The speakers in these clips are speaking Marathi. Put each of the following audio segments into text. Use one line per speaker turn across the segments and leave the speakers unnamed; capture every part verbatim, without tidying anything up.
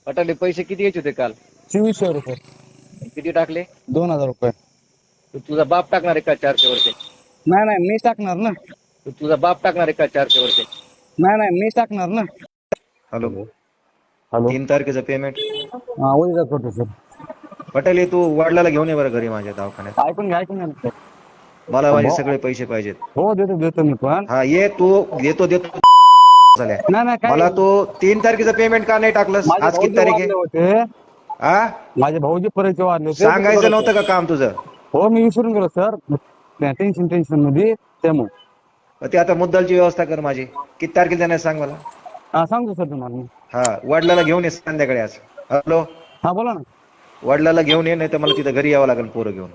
अटाले पैसे किती यायचे होते काल?
चोवीसशे रुपये.
किती टाकले?
दोन हजार रुपये.
तर तुझा बाप टाकणार आहे का चारशे वरचे?
नाही नाही मीच टाकणार ना.
तर तुझा बाप टाकणार आहे का चारशे वरचे?
नाही नाही मीच टाकणार ना.
Hello,
hello.
तीन तारखेचं पेमेंट
हा उद्या करतो सर.
पटेल हे तू वडिलाला घेऊन ये बरं घरी माझ्या दवाखान्यात.
ऐकून घ्या ऐकून घ्या.
मला माझे सगळे पैसे पाहिजेत.
हो देतो देतो मी पण.
हा ये तू देतो देतो झाल्या.
नाही नाही काय
मला तू तीन तारखेचं पेमेंट का नाही टाकलंस?
माझे
आज किती
भाऊजी
तारीख
वारले
आहे?
होते.
हा
माझे भाऊजी परिचय वाढले होते.
सांगायचं नव्हतं का काम तुझं?
हो मी विसरून गेलो सर. टेन्शन टेन्शन मध्ये त्यामुळे.
मग ते आता मुद्दलची व्यवस्था कर माझी. किती तारखेला जाणार सांग मला.
हा सांगतो सर तुम्हाला मी.
हा वडिलाला घेऊन ये संध्याकाळी आज. हॅलो,
हा बोला ना.
वडिलाला घेऊन ये, नाही तर मला तिथं घरी यावं लागेल पोरं घेऊन.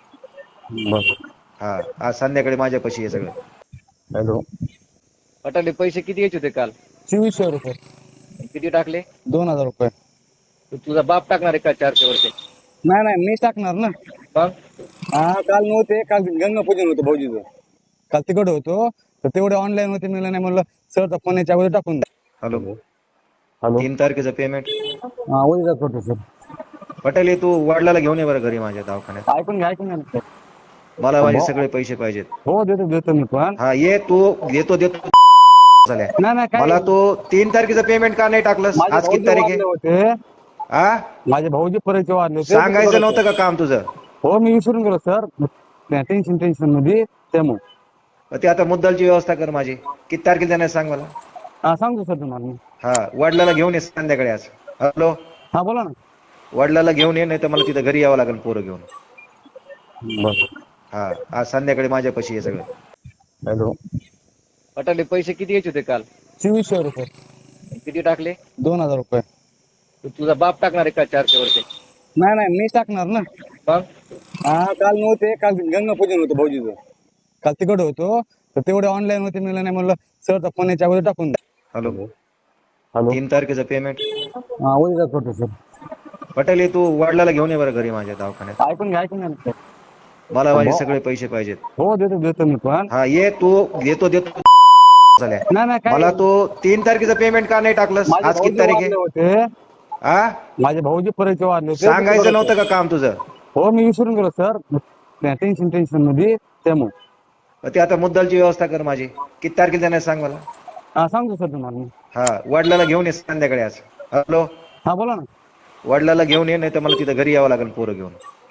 बरं.
हा आज संध्याकाळी माझ्यापाशी आहे सगळं.
हॅलो.
अटाले पैसे किती यायचे होते काल?
चोवीसशे रुपये.
किती टाकले?
दोन हजार रुपये.
तर तुझा बाप टाकणार आहे का चारशे वरचे?
नाही नाही मीच टाकणार ना.
मग
हा काल नव्हते. काल गंगा पूजन होतं भाऊजीचं. काल तिकडे होतो तर तेवढे ऑनलाईन होते मिळलं नाही म्हणलं सरचा फोन याच्या अगोदर टाकून द्या.
Hello,
hello.
तीन तारखेचं पेमेंट
हा उद्या करतो सर.
पटेल हे तू वडिलाला घेऊन ये बरं घरी माझ्या दवाखान्यात.
ऐकून घ्या ऐकून घ्या.
मला माझे सगळे पैसे पाहिजेत.
हो देतो देतो मी पण.
हा ये तू देतो देतो झाल्या.
नाही नाही काय
मला तू तीन तारखेचं पेमेंट का नाही टाकलंस?
माझे
आज किती
भाऊजी
तारीख
वारले
आहे?
होते.
हा
माझे भाऊजी परिचय वाढले होते.
सांगायचं नव्हतं का काम तुझं?
हो मी विसरून गेलो सर. टेन्शन टेन्शन मध्ये त्यामुळे.
मग ते आता मुद्दलची व्यवस्था कर माझी. किती तारखेला जाणार सांग मला.
हा सांगतो सर तुम्हाला मी.
हा वडिलाला घेऊन ये संध्याकाळी आज. हॅलो,
हा बोला ना.
वडिलाला घेऊन ये, नाही तर मला तिथं घरी यावं लागेल पोरं घेऊन.
बरं.
हा आज संध्याकाळी माझ्यापाशी आहे सगळं.
हॅलो.
अटाले पैसे किती यायचे होते काल?
चोवीसशे रुपये.
किती टाकले?
दोन हजार रुपये.
तर तुझा बाप टाकणार आहे का चारशे वरचे?
नाही नाही मीच टाकणार ना.
मग
हा काल नव्हते. काल गंगा पूजन होतं भाऊजीचं. काल तिकडे होतो तर तेवढे ऑनलाईन होते मिळलं नाही म्हणलं सरचा फोन याच्या अगोदर टाकून द्या.
Hello,
hello.
तीन तारखेचं पेमेंट
हा उद्या करतो सर.
पटेल हे तू वडिलाला घेऊन ये बरं घरी माझ्या दवाखान्यात.
ऐकून घ्या ऐकून घ्या.
मला माझे सगळे पैसे पाहिजेत.
हो देतो देतो मी पण.
हा ये तू देतो देतो झाल्या.
नाही नाही काय
मला तू तीन तारखेचं पेमेंट का नाही टाकलंस?
माझे
आज किती
भाऊजी
तारीख
वारले
आहे?
होते.
हा
माझे भाऊजी परिचय वाढले होते.
सांगायचं नव्हतं का काम तुझं?
हो मी विसरून गेलो सर. टेन्शन टेन्शन मध्ये त्यामुळे.
मग ते आता मुद्दलची व्यवस्था कर माझी. किती तारखेला जाणार सांग मला.
हा सांगतो सर तुम्हाला मी.
हा वडिलाला घेऊन ये संध्याकाळी आज. हॅलो,
हा बोला ना.
वडिलाला घेऊन ये, नाही तर मला तिथं घरी यावं लागेल पोरं घेऊन.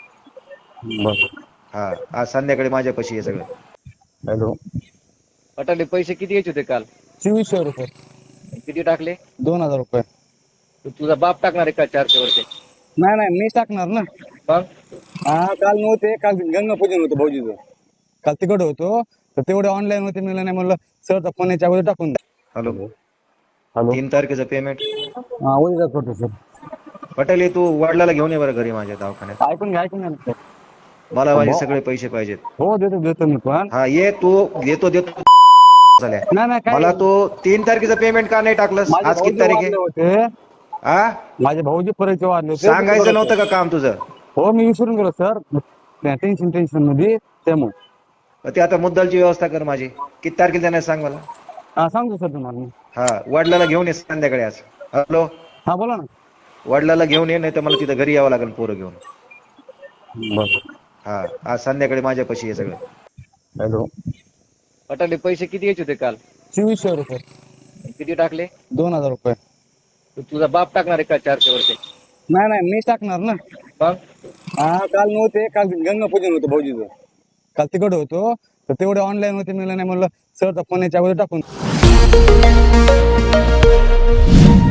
बरं.
हा आज संध्याकाळी माझ्यापाशी आहे सगळं.
हॅलो.
अटाले पैसे किती यायचे होते काल?
चोवीसशे रुपये.
किती टाकले?
दोन हजार रुपये.
तर तुझा बाप टाकणार आहे का चारशे वरचे?
नाही नाही मीच टाकणार ना.
मग
हा काल नव्हते. काल गंगा पूजन होतं भाऊजीचं. काल तिकडे होतो तर तेवढे ऑनलाईन होते मिळलं नाही म्हणलं सरचा फोन याच्या अगोदर टाकून द्या.
Hello,
hello.
तीन तारखेचं पेमेंट
हा उद्या करतो सर.
पटेल हे तू वडिलाला घेऊन ये बरं घरी माझ्या दवाखान्यात.
ऐकून घ्या ऐकून घ्या.
मला माझे सगळे पैसे पाहिजेत.
हो देतो देतो मी पण.
हा ये तू देतो देतो झाल्या.
नाही नाही काय
मला तू तीन तारखेचं पेमेंट का नाही टाकलंस?
माझे
आज किती
भाऊजी
तारीख आहे?
वारले होते.
हा
माझे भाऊजी परिचय वाढले होते.
सांगायचं नव्हतं का काम तुझं?
हो मी विसरून गेलो सर. टेन्शन टेन्शन मध्ये त्यामुळे.
मग ते आता मुद्दलची व्यवस्था कर माझी. किती तारखेला जाणार सांग मला.
हा सांगतो सर तुम्हाला मी.
हा वडिलाला घेऊन ये संध्याकाळी आज. हॅलो,
हा बोला ना.
वडिलाला घेऊन ये, नाही तर मला तिथं घरी यावं लागेल पोरं घेऊन.
बरं.
हा आज संध्याकाळी माझ्यापाशी आहे सगळं.
हॅलो.
अटाले पैसे किती यायचे होते काल?
चोवीसशे रुपये.
किती टाकले?
दोन हजार रुपये.
तर तुझा बाप टाकणार आहे का चारशे वरचे?
नाही नाही मीच टाकणार ना.
मग
हा काल नव्हते. काल गंगा पूजन होतं भाऊजीचं. काल तिकडे होतो तर तेवढे ऑनलाईन होते मिळलं नाही म्हणलं सरचा फोन याच्या अगोदर टाकून